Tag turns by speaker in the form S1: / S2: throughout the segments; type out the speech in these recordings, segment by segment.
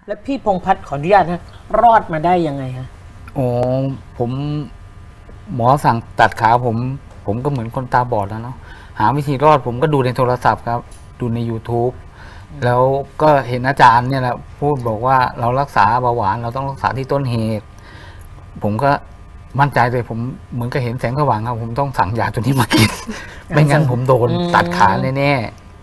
S1: และพี่พงษ์พัฒน์ขออนุญาตนะรอดมาได้ยังไงฮะ
S2: อ๋อผมหมอสั่งตัดขาผมก็เหมือนคนตาบอดแล้วเนาะหาวิธีรอดผมก็ดูในโทรศัพท์ครับ ดูใน YouTube แล้วก็เห็นอาจารย์เนี่ยแหละพูดบอกว่าเรารักษาเบาหวานเราต้องรักษาที่ต้นเหตุ ผมก็มั่นใจเลยผมเหมือนกับเห็นแสงสว่างครับผมต้องสั่งยาตัวนี้มากิน ไม่งั้นผมโดนตัดขาแน่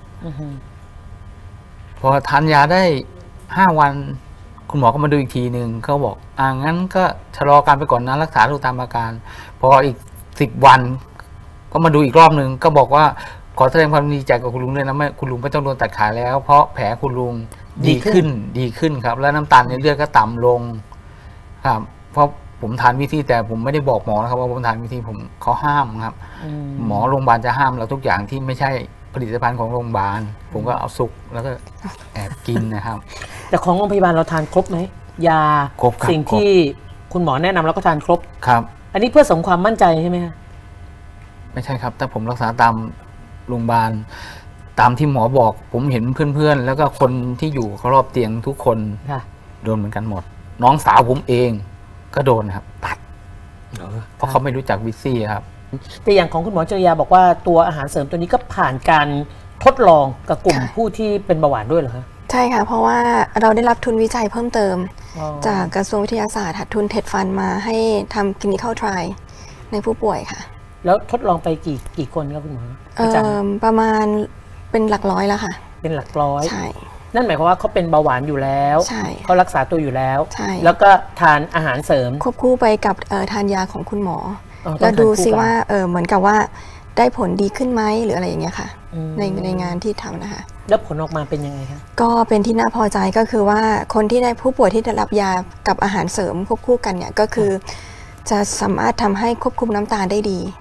S2: ๆพอทานยาได้5 วันคุณหมอก็มาดูอีกทีหนึ่งเขาบอกงั้นก็ชะลอการไปก่อนนะรักษาดูตามอาการพออีก10 วันก็มาดูอีกรอบหนึ่งก็บอกว่าขอแสดงความดีใจกับคุณลุงด้วยนะไม่คุณลุงไม่ต้องโดนตัดขาแล้ว เพราะแผลคุณลุงดีขึ้นครับ แล้วน้ำตาลในเลือดก็ต่ำลงครับเพราะผมทานวิธีแต่ผมไม่ได้บอกหมอนะครับว่าผมทานวิธีเขาห้ามครับหมอโรงพยาบาลจะห้ามเราทุกอย่างที่ไม่ใช่ผลิตภัณฑ์ของโรงพยาบาลผมก็เอาซุกแล้วก็แอบกินนะครับ
S1: แต่ของโรงพยาบาลเราทานครบไหมยา
S2: ครบครับ
S1: สิ่งที่คุณหมอแนะนำเราก็ทานครบ
S2: ครับ
S1: อันนี้เพื่อเสริมความมั่นใจใช่ไหมฮะ
S2: ไม่ใช่ครับแต่ผมรักษาตามโรงพยาบาลตามที่หมอบอกผมเห็นเพื่อนๆแล้วก็คนที่อยู่รอบเตียงทุกคนโดนเหมือนกันหมดน้องสาวผมเองก็โดนครับตัดเพราะเขาไม่รู้จักวิซี่ครับ
S1: แต่อย่างของคุณหมอจริยาบอกว่าตัวอาหารเสริมตัวนี้ก็ผ่านการทดลองกับกลุ่มผู้ที่เป็นเบาหวานด้วยเหรอคะ
S3: ใช่ค่ะเพราะว่าเราได้รับทุนวิจัยเพิ่มเติมจากกระทรวงวิทยาศาสตร์ทุนเท็ดฟันมาให้ทำ clinical trial ในผู้ป่วยค่ะ
S1: แล้วทดลองไปกี่คนครับคุณหมอ
S3: ประมาณเป็นหลักร้อยแล้วค่ะ
S1: เป็นหลักร้อย
S3: ใช่
S1: นั่นหมายความว่าเขาเป็นเบาหวานอยู่แล้วเขารักษาตัวอยู่แล้วแล้วก็ทานอาหารเสริม
S3: ควบคู่ไปกับทานยาของคุณหมอแล้วดูซิว่าเหมือนกับว่าได้ผลดีขึ้นไหมหรืออะไรอย่างเงี้ยค่ะในงานที่ทำนะคะ
S1: แล้วผลออกมาเป็นยังไงคะ
S3: ก็เป็นที่น่าพอใจก็คือว่าคนที่ได้ผู้ป่วยที่ได้รับยากับอาหารเสริมควบคู่กันเนี่ยก็คือจะสามารถทำให้ควบคุมน้ำตาลได้ดี